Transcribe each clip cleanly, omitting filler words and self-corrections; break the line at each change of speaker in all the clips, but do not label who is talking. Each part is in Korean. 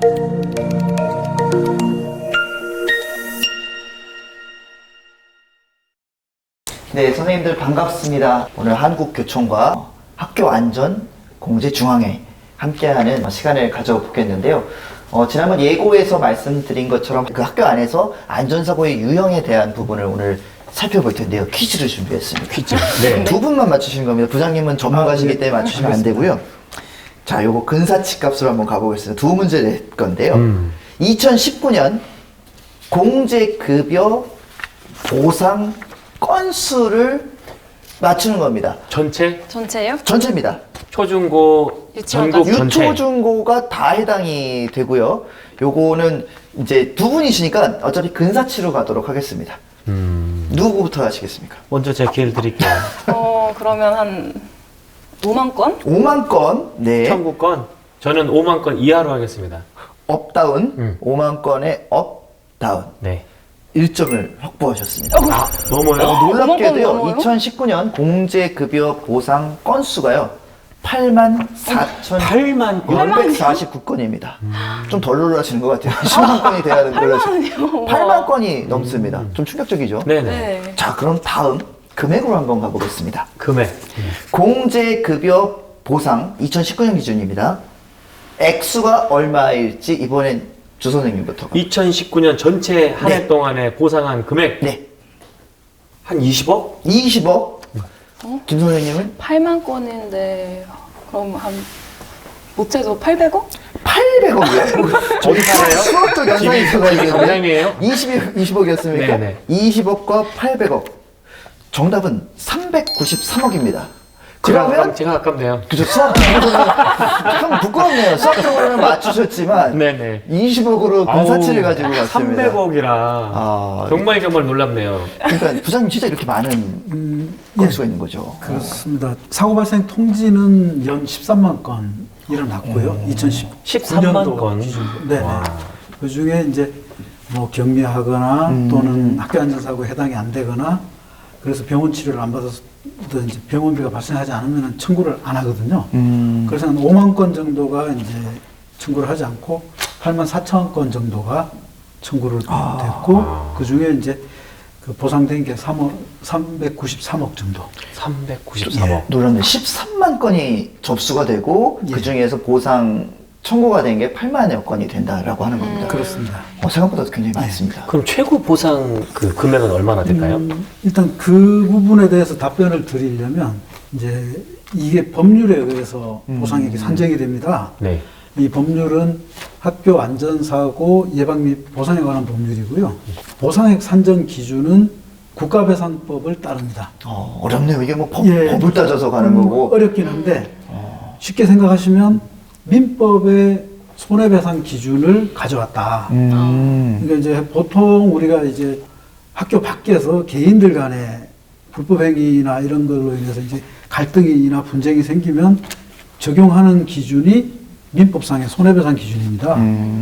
네, 선생님들 반갑습니다. 오늘 한국교총과 학교안전공제중앙회 함께하는 시간을 가져보겠는데요. 지난번 예고에서 말씀드린 것처럼 그 학교 안에서 안전사고의 유형에 대한 부분을 오늘 살펴볼 텐데요. 퀴즈를 준비했습니다.
퀴즈. 네.
두 분만 맞추시는 겁니다. 부장님은 전문가시기 때문에 맞추시면 안 되고요. 자, 요거 근사치 값으로 한번 가보겠습니다. 두 문제 낼 건데요. 2019년 공제급여 보상 건수를 맞추는 겁니다.
전체요?
전체입니다.
초중고 전국 전체.
유초중고가 다 해당이 되고요. 요거는 이제 두 분이시니까 어차피 근사치로 가도록 하겠습니다. 누구부터 하시겠습니까?
먼저 제가 기회를 드릴게요.
그러면 한 5만 건?
5만 건, 네.
청구권. 저는 5만 건 이하로 하겠습니다.
업다운, 5만 건의 업다운.
네.
1점을 확보하셨습니다.
넘어요?
놀랍게도요,
넘어요? 2019년
2019년 공제급여 보상 건수가요, 84,649건입니다. 좀 덜 놀라시는 것 같아요. 10만 건이 돼야 되는 걸로. 8만 건이 넘습니다. 좀 충격적이죠?
네네.
네.
자, 그럼 다음 금액으로 한번 가보겠습니다.
금액.
공제급여 보상 2019년 기준입니다. 액수가 얼마일지 이번엔 주 선생님부터.
2019년 전체 한 해
네.
동안에 보상한 금액.
네.
한 20억?
20억. 김 선생님은
8만 건인데 그럼 한 못해도 800억?
800억이요.
어디 살아요?
수학적 연산이 있어가지고.
장남이에요?
20억이었습니까?
네네.
20억과 800억. 정답은 393억입니다. 그러면
제가 아깝네요.
그죠, 수학적으로는 좀 부끄럽네요. 수학적으로는 맞추셨지만
네네.
20억으로 근사치를 가지고 왔습니다.
300억이라 정말 놀랍네요.
그러니까 부장님 진짜 이렇게 많은 건수가 있는 거죠.
그렇습니다. 사고 발생 통지는 연 13만 건 일어났고요.
13만 건.
네. 그 중에 이제 뭐 경미하거나 또는 학교 안전사고에 해당이 안 되거나 그래서 병원 치료를 안 받아서 이제 병원비가 발생하지 않으면 청구를 안 하거든요. 그래서 한 5만 건 정도가 이제 청구를 하지 않고 8만 4천 건 정도가 청구를 됐고 그 중에 이제 그 보상된 게 393억 정도.
393억.
놀랍네요. 13만 건이 접수가 되고
예.
그 중에서 보상 청구가 된 게 8만여 건이 된다라고 하는 겁니다.
그렇습니다.
생각보다 굉장히 많습니다.
그럼 최고 보상 그 금액은 얼마나 될까요?
일단 그 부분에 대해서 답변을 드리려면 이제 이게 법률에 의해서 보상액이 산정이 됩니다.
네.
이 법률은 학교 안전사고 예방 및 보상에 관한 법률이고요. 보상액 산정 기준은 국가배상법을 따릅니다.
어렵네요. 이게 뭐
예.
법을 따져서 가는 거고.
어렵긴 한데 쉽게 생각하시면 민법의 손해배상 기준을 가져왔다. 그러니까 이제 보통 우리가 이제 학교 밖에서 개인들 간에 불법 행위나 이런 걸로 인해서 이제 갈등이나 분쟁이 생기면 적용하는 기준이 민법상의 손해배상 기준입니다.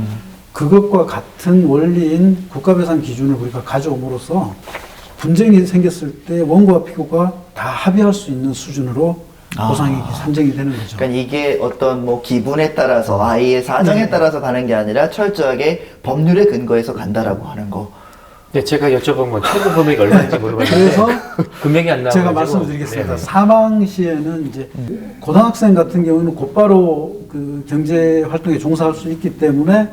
그것과 같은 원리인 국가배상 기준을 우리가 가져옴으로써 분쟁이 생겼을 때 원고와 피고가 다 합의할 수 있는 수준으로 보상액이 산정이 되는 거죠.
그러니까 이게 어떤 뭐 기분에 따라서 아이의 사정에 따라서 가는 게 아니라 철저하게 법률에 근거해서 간다라고 하는 거.
네, 제가 여쭤본 건 최고 금액이 얼마인지 물어봤는데
그래서
금액이 안 나와가지고
제가 말씀을 드리겠습니다.
네네.
사망 시에는 이제 고등학생 같은 경우는 곧바로 그 경제 활동에 종사할 수 있기 때문에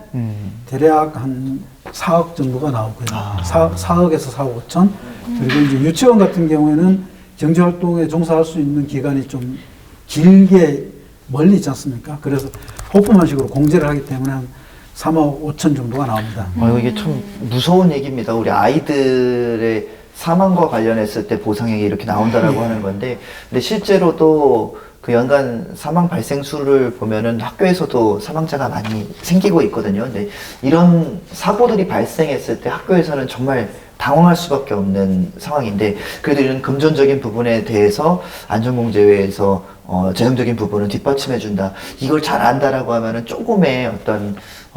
대략 한 4억 정도가 나오고요. 4억에서 4억 5천. 그리고 이제 유치원 같은 경우에는 경제 활동에 종사할 수 있는 기간이 좀 길게 멀리 있지 않습니까? 그래서 호프만식으로 공제를 하기 때문에 한 3억 5천 정도가 나옵니다.
이게 참 무서운 얘기입니다. 우리 아이들의 사망과 관련했을 때 보상액이 이렇게 나온다라고 하는 건데, 근데 실제로도 그 연간 사망 발생 수를 보면은 학교에서도 사망자가 많이 생기고 있거든요. 근데 이런 사고들이 발생했을 때 학교에서는 정말 당황할 수밖에 없는 상황인데, 그래도 이런 금전적인 부분에 대해서 안전공제회에서 재정적인 부분은 뒷받침해준다. 이걸 잘 안다라고 하면은 조금의 어떤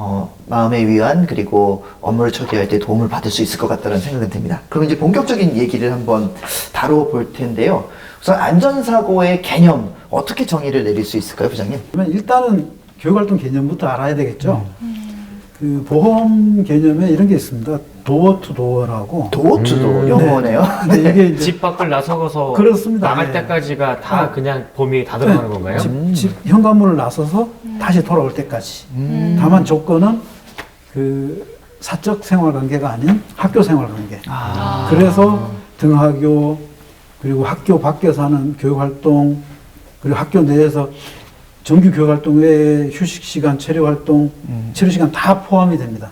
마음의 위안 그리고 업무를 처리할 때 도움을 받을 수 있을 것 같다는 생각이 듭니다. 그럼 이제 본격적인 얘기를 한번 다뤄볼 텐데요. 우선 안전사고의 개념 어떻게 정의를 내릴 수 있을까요, 부장님?
그러면 일단은 교육활동 개념부터 알아야 되겠죠. 그 보험 개념에 이런 게 있습니다. 도어 투 도어라고.
도어투도 영어네요.
근데 이게 이제
집 밖을 나서서
그렇습니다.
나갈
예.
때까지가 다 그냥 범위에 다 들어가는 건가요?
집 현관문을 나서서 다시 돌아올 때까지. 다만 조건은 그 사적 생활 관계가 아닌 학교 생활 관계. 그래서 등하교 그리고 학교 밖에서 하는 교육 활동 그리고 학교 내에서 정규 교육 활동 외에 휴식 시간, 체류 활동, 체류 시간 다 포함이 됩니다.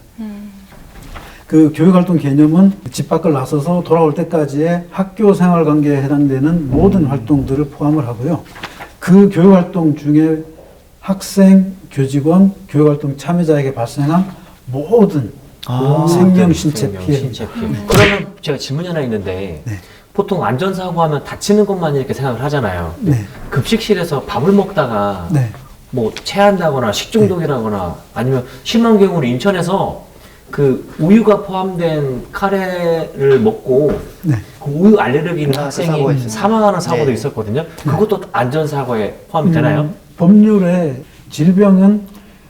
그 교육 활동 개념은 집 밖을 나서서 돌아올 때까지의 학교 생활 관계에 해당되는 모든 활동들을 포함을 하고요. 그 교육 활동 중에 학생, 교직원, 교육 활동 참여자에게 발생한 모든 생명 신체 피해입니다.
그러면 제가 질문이 하나 있는데
네.
보통 안전사고 하면 다치는 것만 이렇게 생각을 하잖아요.
네.
급식실에서 밥을 먹다가
네.
뭐 체한다거나 식중독이라거나 아니면 심한 경우로 인천에서 그 우유가 포함된 카레를 먹고
네.
그 우유 알레르기 있는
그
학생이
사고가 있었어요.
사망하는 사고도
네.
있었거든요. 그것도 안전사고에 포함이 되나요?
법률에 질병은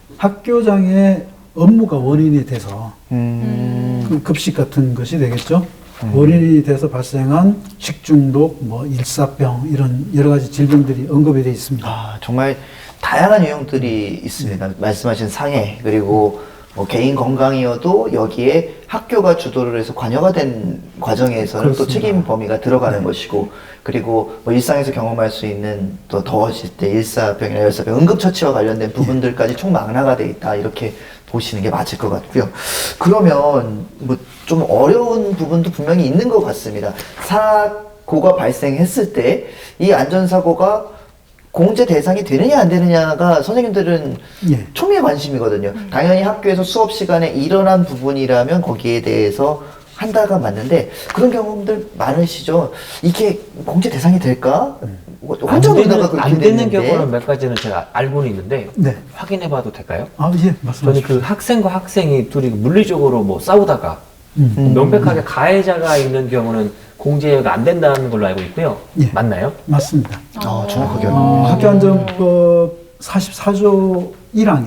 학교장의 업무가 원인이 돼서 그 급식 같은 것이 되겠죠. 원인이 돼서 발생한 식중독, 뭐 일사병 이런 여러 가지 질병들이 언급이 되어 있습니다.
아, 정말 다양한 유형들이 있습니다. 말씀하신 상해 그리고 뭐 개인 건강이어도 여기에 학교가 주도를 해서 관여가 된 과정에서는 또
그렇습니다.
책임 범위가 들어가는 것이고 그리고 뭐 일상에서 경험할 수 있는 또 더워질 때 일사병이나 열사병 응급처치와 관련된 부분들까지 총망라가 돼 있다 이렇게 보시는 게 맞을 것 같고요. 그러면 뭐 좀 어려운 부분도 분명히 있는 것 같습니다. 사고가 발생했을 때 이 안전사고가 공제 대상이 되느냐 안 되느냐가 선생님들은
예.
초미의 관심이거든요. 당연히 학교에서 수업 시간에 일어난 부분이라면 거기에 대해서 한다가 맞는데 그런 경험들 많으시죠? 이게 공제 대상이 될까? 혼자 놀다가 그렇게
안 되는
됐는데.
경우는 몇 가지는 제가 알고는 있는데
네.
확인해봐도 될까요?
아, 예,
저는
말씀하십시오.
그 학생과 학생이 둘이 물리적으로 뭐 싸우다가 명백하게 가해자가 있는 경우는 공제가 안 된다는 걸로 알고 있고요.
예.
맞나요?
맞습니다.
정확하게
학교안전법 44조 1항에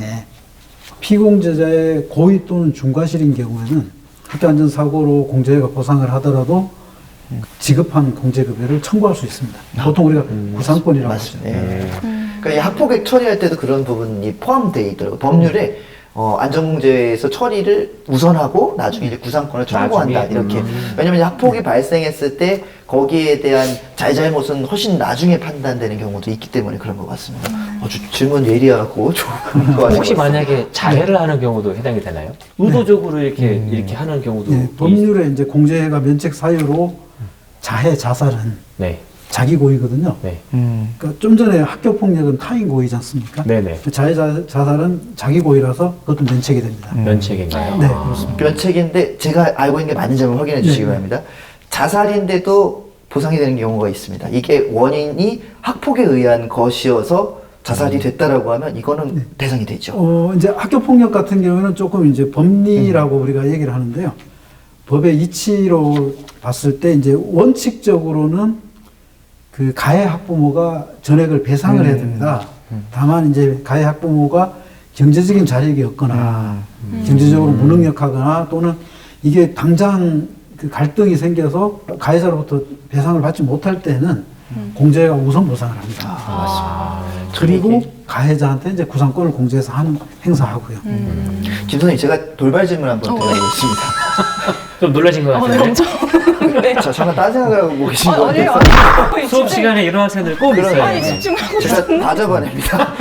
피공제자의 고의 또는 중과실인 경우에는 학교안전사고로 공제가 보상을 하더라도 지급한 공제급여를 청구할 수 있습니다. 보통 우리가 구상권이라고 하죠.
맞습니다. 예. 그러니까 이 학폭액 처리할 때도 그런 부분이 포함되어 있더라고요. 법률에 안전공제에서 처리를 우선하고 나중에 이제 구상권을 청구한다
나중에?
이렇게. 왜냐면 이제 학폭이 발생했을 때 거기에 대한 잘잘못은 훨씬 나중에 판단되는 경우도 있기 때문에 그런 것 같습니다. 아주 질문 예리하고 좋은 거
혹시 만약에 자해를 하는 경우도 해당이 되나요? 의도적으로 이렇게 하는 경우도
예, 법률에 이제 공제가 면책 사유로 자해, 자살은
네.
자기 고의거든요.
네.
그러니까 좀 전에 학교 폭력은 타인 고의지 않습니까?
네네.
자해, 자살은 자기 고의라서 그것도 면책이 됩니다.
면책인가요?
네,
아.
그렇습니다.
면책인데 제가 알고 있는 게 맞는지 한번 확인해 주시기
네.
바랍니다. 자살인데도 보상이 되는 경우가 있습니다. 이게 원인이 학폭에 의한 것이어서 자살이 됐다라고 하면 이거는 대상이 되죠.
이제 학교 폭력 같은 경우는 조금 이제 법리라고 우리가 얘기를 하는데요. 법의 이치로 봤을 때 이제 원칙적으로는 그 가해 학부모가 전액을 배상을 해야 됩니다. 다만 이제 가해 학부모가 경제적인 자력이 없거나 경제적으로 무능력하거나 또는 이게 당장 그 갈등이 생겨서 가해자로부터 배상을 받지 못할 때는 공제가 우선 보상을 합니다. 그리고 가해자한테 이제 구상권을 공제해서 행사하고요.
김 선생님 제가 돌발 질문 한번 드리겠습니다.
좀 놀라신 것
네,
같은데.
엄청. 네.
자, 잠깐 딴 생각을 하고 계신 것
아니에요,
같아서
아니에요.
수업 시간에 이런 학생들 꼭 있어요.
아니, 집중하고
제가 다 잡아냅니다.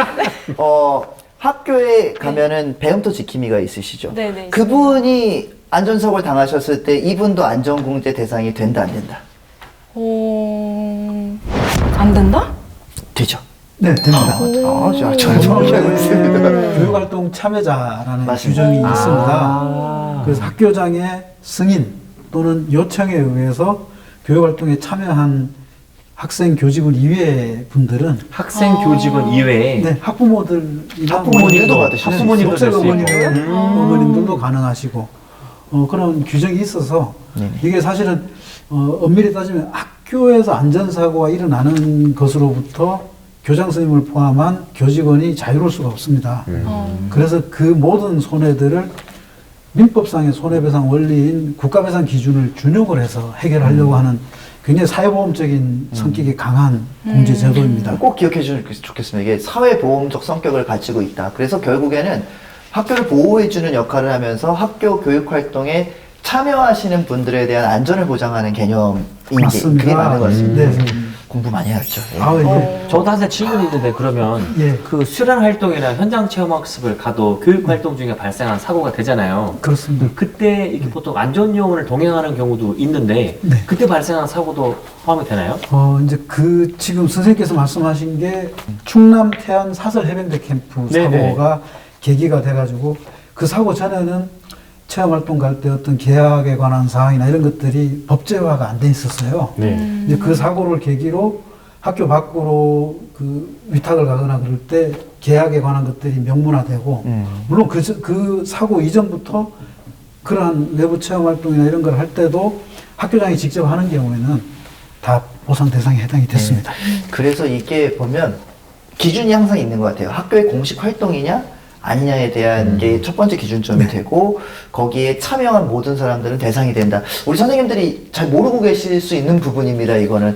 학교에 가면은 배움터 지킴이가 있으시죠?
네, 네,
그분이 안전사고를 당하셨을 때 이분도 안전공제 대상이 된다 안 된다?
안 된다?
되죠.
네, 됩니다.
저 정확히 알고 있습니다.
교육활동 참여자라는
맞습니다.
규정이 있습니다. 그래서 학교장의 승인 또는 요청에 의해서 교육활동에 참여한 학생, 교직원 이외의 분들은
학생 교직원 이외에
네, 학부모들이나
학부모님도 받으시는
학부모님도 될 수 있고.
어머님들도 가능하시고 그런 규정이 있어서 이게 사실은 엄밀히 따지면 학교에서 안전사고가 일어나는 것으로부터 교장 선생님을 포함한 교직원이 자유로울 수가 없습니다. 그래서 그 모든 손해들을 민법상의 손해배상 원리인 국가배상 기준을 준용을 해서 해결하려고 하는 굉장히 사회보험적인 성격이 강한 공제 제도입니다.
꼭 기억해 주시면 좋겠습니다. 이게 사회보험적 성격을 가지고 있다. 그래서 결국에는 학교를 보호해주는 역할을 하면서 학교 교육 활동에 참여하시는 분들에 대한 안전을 보장하는 개념인 게
맞습니다.
그게 맞는 것 같습니다.
네.
공부 많이 해야죠. 예.
아, 예.
저도 한 질문이 있는데 그러면
예.
그 수련 활동이나 현장 체험 학습을 가도 교육 활동 중에 발생한 사고가 되잖아요.
그렇습니다.
그때 이렇게 보통 안전요원을 동행하는 경우도 있는데
네.
그때 발생한 사고도 포함이 되나요?
이제 지금 선생님께서 말씀하신 게 충남 태안 사설 해병대 캠프
네네.
사고가 계기가 돼가지고 그 사고 전에는 체험활동 갈 때 어떤 계약에 관한 사항이나 이런 것들이 법제화가 안 돼 있었어요.
네.
이제 그 사고를 계기로 학교 밖으로 그 위탁을 가거나 그럴 때 계약에 관한 것들이 명문화되고 물론 그 사고 이전부터 그러한 외부 체험활동이나 이런 걸 할 때도 학교장이 직접 하는 경우에는 다 보상 대상에 해당이 됐습니다.
그래서 이게 보면 기준이 항상 있는 것 같아요. 학교의 공식 활동이냐 아니냐에 대한 게 첫 번째 기준점이 되고 거기에 참여한 모든 사람들은 대상이 된다. 우리 선생님들이 잘 모르고 계실 수 있는 부분입니다. 이거는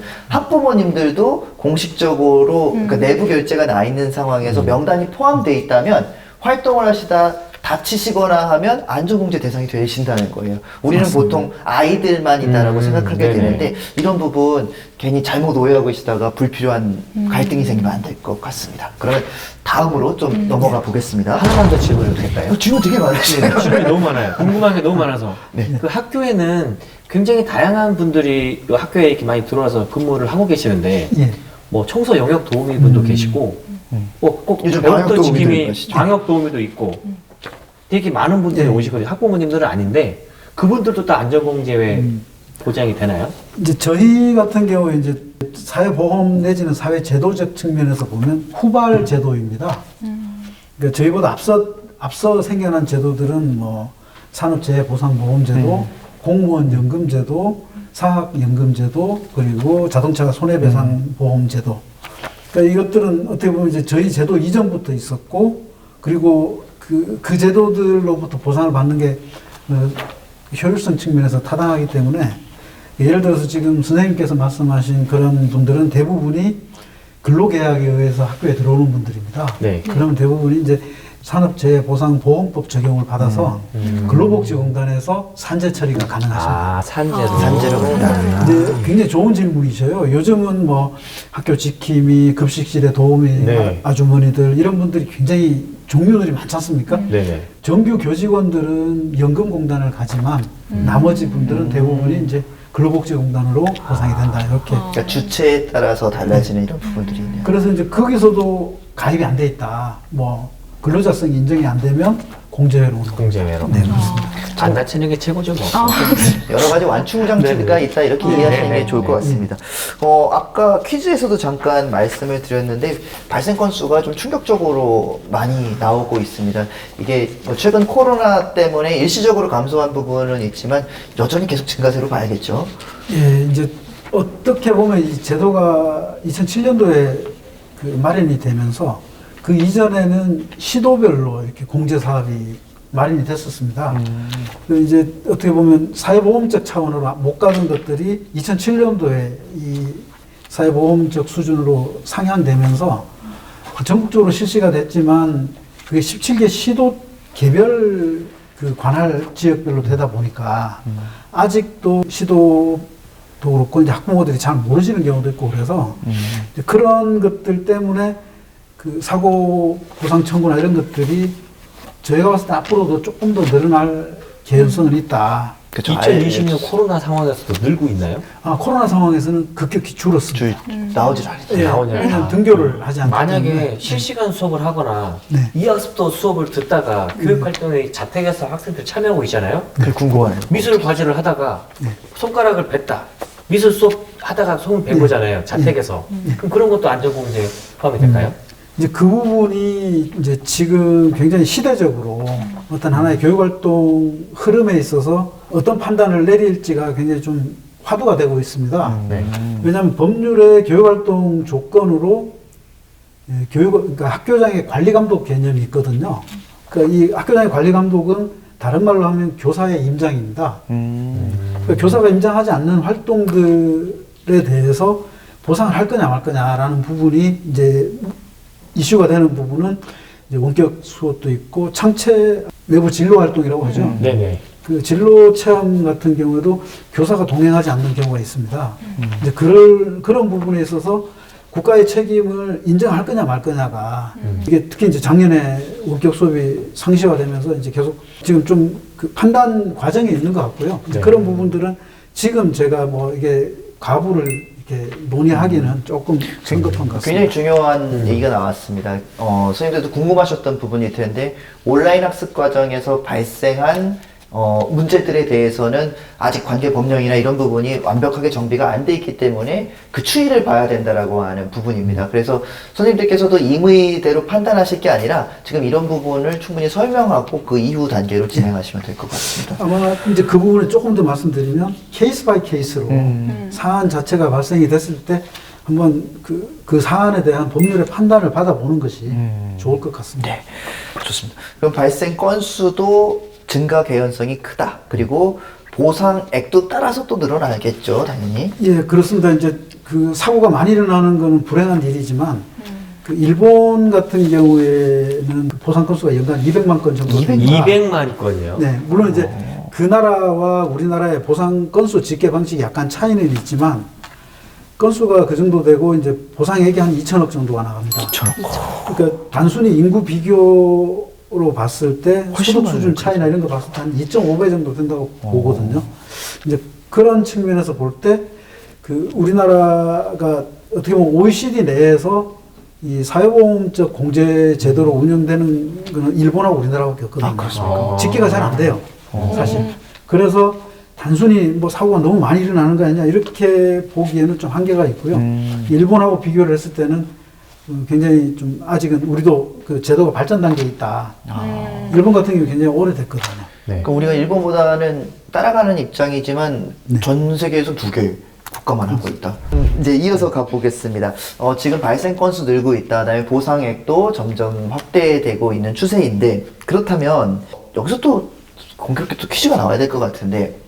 학부모님들도 공식적으로 그러니까 내부 결제가 나 있는 상황에서 명단이 포함되어 있다면 활동을 하시다 다치시거나 하면 안전공제 대상이 되신다는 거예요. 우리는
맞습니다.
보통 아이들만 있다라고 생각하게
네네.
되는데 이런 부분 괜히 잘못 오해하고 계시다가 불필요한 갈등이 생기면 안 될 것 같습니다. 그러면 다음으로 좀 넘어가 보겠습니다.
하나만 더 질문을 드릴까요?
질문 되게 많으시네요.
질문이 너무 많아요. 궁금한 게 너무 많아서. 그 학교에는 굉장히 다양한 분들이 이 학교에 이렇게 많이 들어와서 근무를 하고 계시는데
예.
뭐 청소 영역 도우미 분도 계시고 꼭
요즘
배웠던
방역 도우미도
지킴이
계시죠.
방역 도우미도 있고 되게 많은 분들이
예.
오시거든요. 학부모님들은 아닌데 그분들도 또 안전공제에 보장이 되나요?
이제 저희 같은 경우에 이제 사회보험 내지는 사회제도적 측면에서 보면 후발 제도입니다. 그러니까 저희보다 앞서 생겨난 제도들은 뭐 산업재해보상보험제도, 공무원 연금제도, 사학연금제도, 그리고 자동차 손해배상보험제도. 그러니까 이것들은 어떻게 보면 이제 저희 제도 이전부터 있었고, 그리고 그 제도들로부터 보상을 받는 게 효율성 측면에서 타당하기 때문에 예를 들어서 지금 선생님께서 말씀하신 그런 분들은 대부분이 근로계약에 의해서 학교에 들어오는 분들입니다.
네.
그러면 대부분이 이제 산업재해보상보험법 적용을 받아서 근로복지공단에서 산재 처리가 가능하십니다.
아, 산재로.
산재로 간다.
이제 굉장히 좋은 질문이셔요. 요즘은 뭐 학교 지킴이, 급식실에 도우미,
네.
아주머니들 이런 분들이 굉장히 종류들이 많지 않습니까?
네네.
정규 교직원들은 연금공단을 가지만 나머지 분들은 대부분이 이제 근로복지공단으로 보상이 된다 이렇게.
그러니까 주체에 따라서 달라지는 이런 부분들이 있네요.
그래서 이제 거기서도 가입이 안 돼 있다. 뭐 근로자성이 인정이 안 되면 공제회로 오는
공제회로.
네, 그렇습니다.
안 다치는 게 최고죠, 뭐.
여러 가지 완충 장치가 있다 이렇게 이해하시는 게 좋을 것 같습니다. 아까 퀴즈에서도 잠깐 말씀을 드렸는데 발생 건수가 좀 충격적으로 많이 나오고 있습니다. 이게 뭐 최근 코로나 때문에 일시적으로 감소한 부분은 있지만 여전히 계속 증가세로 봐야겠죠.
예, 이제 어떻게 보면 이 제도가 2007년도에 그 마련이 되면서 그 이전에는 시도별로 이렇게 공제 사업이 마련이 됐었습니다. 그 이제 어떻게 보면 사회보험적 차원으로 못 가는 것들이 2007년도에 이 사회보험적 수준으로 상향되면서 전국적으로 실시가 됐지만 그게 17개 시도 개별 그 관할 지역별로 되다 보니까 아직도 시도도 그렇고 이제 학부모들이 잘 모르시는 경우도 있고 그래서 이제 그런 것들 때문에 그 사고 보상 청구나 이런 것들이 저희가 봤을 때 앞으로도 조금 더 늘어날 개연성은 있다.
그쵸.
2020년 코로나 상황에서도 늘고 있나요?
코로나 상황에서는 급격히 줄었습니다.
나오질 않죠.
예,
나오지 않아요.
왜냐하면 등교를 하지 않기
만약에
때문에.
실시간 수업을 하거나
네.
이학습도 수업을 듣다가 교육활동에 자택에서 학생들 참여하고 있잖아요.
그게 궁금하네요.
미술 과제를 하다가 손가락을 뱉다. 미술 수업 하다가 손을 뺀 거잖아요. 자택에서. 그럼 그런 것도 안전공제에 포함이 될까요?
이제 그 부분이 이제 지금 굉장히 시대적으로 어떤 하나의 교육활동 흐름에 있어서 어떤 판단을 내릴지가 굉장히 좀 화두가 되고 있습니다.
네.
왜냐하면 법률의 교육활동 조건으로 그러니까 학교장의 관리감독 개념이 있거든요. 그러니까 이 학교장의 관리감독은 다른 말로 하면 교사의 임장입니다. 그러니까 교사가 임장하지 않는 활동들에 대해서 보상을 할 거냐 말 거냐라는 부분이 이제 이슈가 되는 부분은 이제 원격 수업도 있고 창체 외부 진로 활동이라고 하죠.
네네.
그 진로 체험 같은 경우에도 교사가 동행하지 않는 경우가 있습니다. 이제 그런 부분에 있어서 국가의 책임을 인정할 거냐 말 거냐가 이게 특히 이제 작년에 원격 수업이 상시화되면서 이제 계속 지금 좀 그 판단 과정에 있는 것 같고요. 이제
네.
그런 부분들은 지금 제가 뭐 이게 가부를 이렇게 논의하기는 조금 성급한 것 같습니다.
굉장히 중요한 얘기가 나왔습니다. 선생님들도 궁금하셨던 부분일 텐데 온라인 학습 과정에서 발생한 문제들에 대해서는 아직 관계 법령이나 이런 부분이 완벽하게 정비가 안 돼 있기 때문에 그 추이를 봐야 된다라고 하는 부분입니다. 그래서 선생님들께서도 임의대로 판단하실 게 아니라 지금 이런 부분을 충분히 설명하고 그 이후 단계로 진행하시면 될 것 같습니다.
아마 이제 그 부분을 조금 더 말씀드리면 케이스 바이 케이스로 사안 자체가 발생이 됐을 때 한번 그 사안에 대한 법률의 판단을 받아보는 것이 좋을 것 같습니다.
네, 좋습니다. 그럼 발생 건수도 증가 개연성이 크다. 그리고 보상액도 따라서 또 늘어나겠죠, 당연히.
예, 그렇습니다. 이제 그 사고가 많이 일어나는 것은 불행한 일이지만 그 일본 같은 경우에는 그 보상 건수가 연간 200만 건 정도 됩니다.
200만 건이요?
네, 물론 이제 그 나라와 우리나라의 보상 건수 집계 방식이 약간 차이는 있지만 건수가 그 정도 되고 이제 보상액이 한 2천억 정도가 나갑니다.
2천억.
그러니까 단순히 인구 비교로 봤을 때
훨씬
소득
많아요,
수준 차이나 이런 거 봤을 때 한 2.5배 정도 된다고 보거든요. 이제 그런 측면에서 볼 때 그 우리나라가 어떻게 보면 OECD 내에서 이 사회보험적 공제 제도로 운영되는 거는 일본하고 우리나라밖에 없거든요.
그렇습니까?
집계가 잘 안 돼요. 사실. 그래서 단순히 뭐 사고가 너무 많이 일어나는 거 아니냐 이렇게 보기에는 좀 한계가 있고요. 일본하고 비교를 했을 때는 굉장히 좀 아직은 우리도 그 제도가 발전 단계에 있다. 일본 같은 경우 굉장히 오래됐거든요.
네.
그러니까 우리가 일본보다는 따라가는 입장이지만
네.
전 세계에서 2개 국가만 하고 있다. 이제 이어서 가보겠습니다. 지금 발생 건수 늘고 있다. 그다음에 보상액도 점점 확대되고 있는 추세인데 그렇다면 여기서 또 공교롭게 또 퀴즈가 나와야 될 것 같은데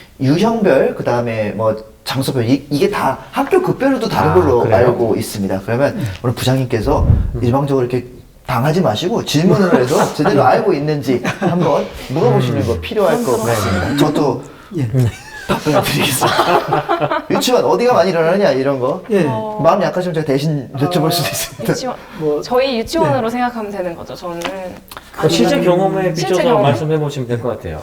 유형별 그다음에 뭐 장소별 이게 다 학교 급별로도 다른 걸로
그래요?
알고 있습니다. 그러면 오늘 부장님께서 일방적으로 이렇게 당하지 마시고 질문을 해서 제대로 알고 있는지 한번 물어보시는 거 필요할 것 같습니다. 저도
예.
답변을 드리겠습니다. 유치원 어디가 많이 일어나느냐 이런 거
예.
마음 약하시면 제가 대신 여쭤볼 수도 있습니다.
유치원,
뭐,
저희 유치원으로 생각하면 되는 거죠. 저는
실제
아니면
경험에
실제
비춰서
경험.
말씀해 보시면 될 것 같아요.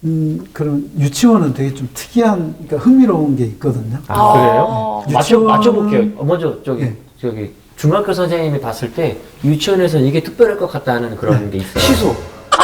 그런 유치원은 되게 좀 특이한, 그러니까 흥미로운 게 있거든요.
아, 그래요?
유치원은-
맞춰볼게요. 먼저
예.
저기 중학교 선생님이 봤을 때 유치원에서 이게 특별할 것 같다는 그런 게 있어요.
시소.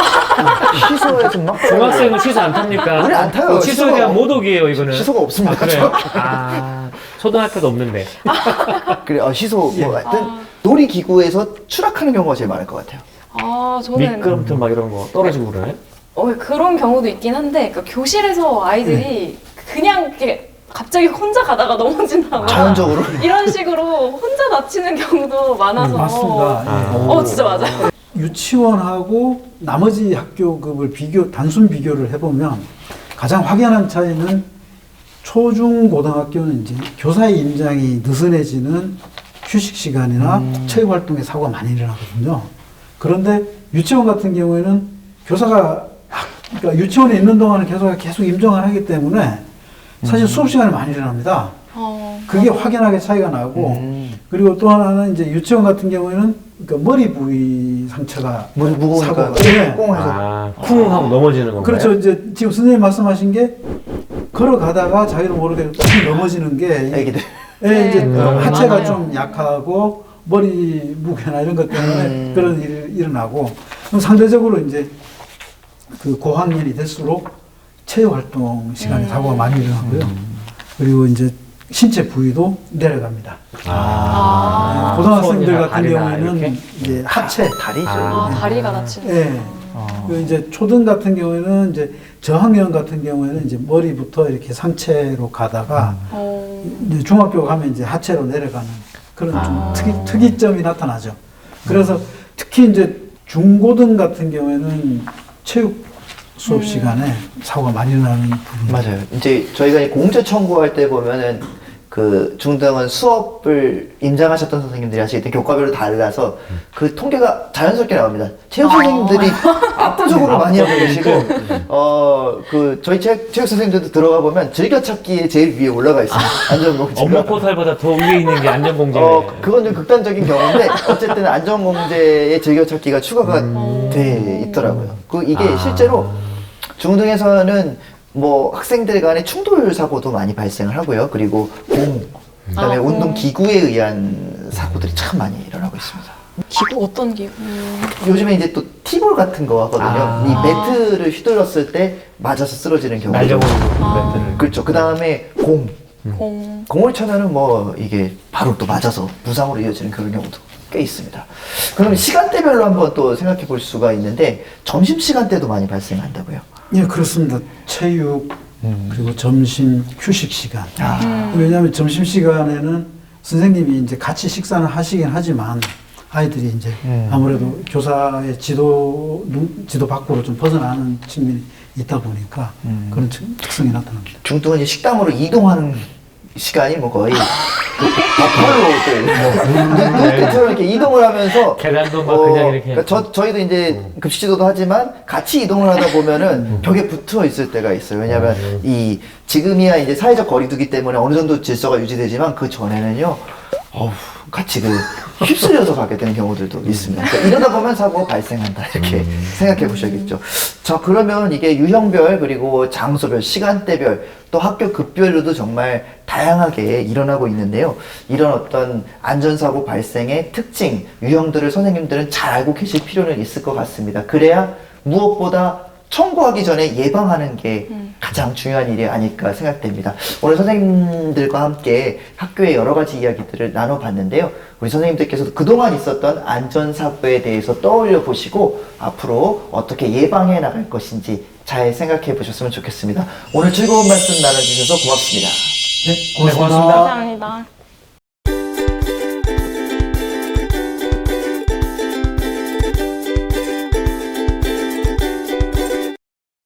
시소에서 막
중학생은 시소 안 탑니까?
우리 안 타요.
시소에
시소가
대한 모독이에요, 이거는.
시소가 없습니다.
그래요? 아, 초등학교도 없는데.
그래 시소 뭐 하여튼 놀이기구에서 추락하는 경우가 제일 많을 것 같아요.
저는
미끄럼틀 막 이런 거 떨어지고 그러나요?
그런 경우도 있긴 한데 그러니까 교실에서 아이들이 그냥 이렇게 갑자기 혼자 가다가 넘어진다거나
자연적으로?
이런 식으로 혼자 다치는 경우도 많아서
맞습니다. 예.
진짜 맞아요.
유치원하고 나머지 학교급을 단순 비교를 해보면 가장 확연한 차이는 초중 고등학교는 이제 교사의 임장이 느슨해지는 휴식 시간이나 체육 활동에 사고가 많이 일어나거든요. 그런데 유치원 같은 경우에는 교사가 그러니까 유치원에 있는 동안은 교사가 계속 임종을 하기 때문에 사실 수업 시간이 많이 일어납니다. 그게 확연하게 차이가 나고 그리고 또 하나는 이제 유치원 같은 경우에는 그러니까 머리 부위 상처가
물이 무거우니까
사고가 네.
꽁해서
쿵 하고 넘어지는 건가요?
그렇죠. 이제 지금 선생님 말씀하신 게 걸어가다가 자기도 모르게 뚝 넘어지는 게
애기들.
예, 이제
네.
하체가
많아요.
좀 약하고 머리 무게나 이런 것 때문에 그런 일이 일어나고 그럼 상대적으로 이제 그 고학년이 될수록 체육 활동 시간에 사고가 많이 일어나고요. 그리고 이제 신체 부위도 내려갑니다. 고등학생들
손이나
같은
다리나
경우에는
이렇게?
이제 하체,
다리죠.
다리가 다치는.
예. 그 이제 초등 같은 경우에는 이제 저학년 같은 경우에는 이제 머리부터 이렇게 상체로 가다가 이제 중학교 가면 이제 하체로 내려가는 그런 좀 특이점이 나타나죠. 그래서 특히 이제 중고등 같은 경우에는 체육 수업 시간에 사고가 많이 일어나는 부분.
맞아요. 이제 저희가 이 공제 청구할 때 보면은 그 중등은 수업을 임장하셨던 선생님들이 하시기 때문에 교과별로 달라서 그 통계가 자연스럽게 나옵니다. 체육 선생님들이 압도적으로 많이 하고 계시고, 그 저희 체육 선생님들도 들어가 보면 즐겨찾기에 제일 위에 올라가 있습니다. 안전공제가.
업무 포탈보다 더 위에 있는 게 안전공제예요.
그건 좀 극단적인 경우인데 어쨌든 안전공제의 즐겨찾기가 추가가 돼 있더라고요. 이게 실제로 중등에서는 뭐 학생들 간의 충돌 사고도 많이 발생을 하고요. 그리고 그다음에 운동 기구에 의한 사고들이 참 많이 일어나고 있습니다.
기구 어떤 기구?
요즘에 이제 또 티볼 같은 거 하거든요. 이 매트를 휘둘렀을 때 맞아서 쓰러지는 경우.
날려버리는 매트를.
그렇죠. 그다음에 공을 차면은 뭐 이게 바로 또 맞아서 부상으로 이어지는 그런 경우도 꽤 있습니다. 그럼 시간대별로 한번 또 생각해 볼 수가 있는데 점심 시간대도 많이 발생한다고요.
예, 그렇습니다. 체육, 그리고 점심, 휴식 시간. 왜냐하면 점심 시간에는 선생님이 이제 같이 식사는 하시긴 하지만 아이들이 이제 아무래도 교사의 지도 밖으로 좀 벗어나는 측면이 있다 보니까 그런 특성이 나타납니다.
중등은 이제 식당으로 이동하는 시간이 뭐 거의 버팔로들 이렇게 이동을 하면서
계단도 막 그냥 이렇게.
그러니까 저희도 이제 급식 지도도 하지만 같이 이동을 하다 보면은 벽에 붙어 있을 때가 있어요. 왜냐하면 이 지금이야 이제 사회적 거리두기 때문에 어느 정도 질서가 유지되지만 그 전에는요. 같이 휩쓸려서 가게 되는 경우들도 있습니다. 그러니까 이러다 보면 사고 발생한다 이렇게 생각해 보셔야겠죠. 자, 그러면 이게 유형별 그리고 장소별, 시간대별 또 학교 급별로도 정말 다양하게 일어나고 있는데요. 이런 어떤 안전사고 발생의 특징, 유형들을 선생님들은 잘 알고 계실 필요는 있을 것 같습니다. 그래야 무엇보다 청구하기 전에 예방하는 게 가장 중요한 일이 아닐까 생각됩니다. 오늘 선생님들과 함께 학교의 여러 가지 이야기들을 나눠봤는데요. 우리 선생님들께서도 그동안 있었던 안전사고에 대해서 떠올려 보시고 앞으로 어떻게 예방해 나갈 것인지 잘 생각해 보셨으면 좋겠습니다. 오늘 즐거운 말씀 나눠주셔서 고맙습니다.
네,
고맙습니다.
감사합니다.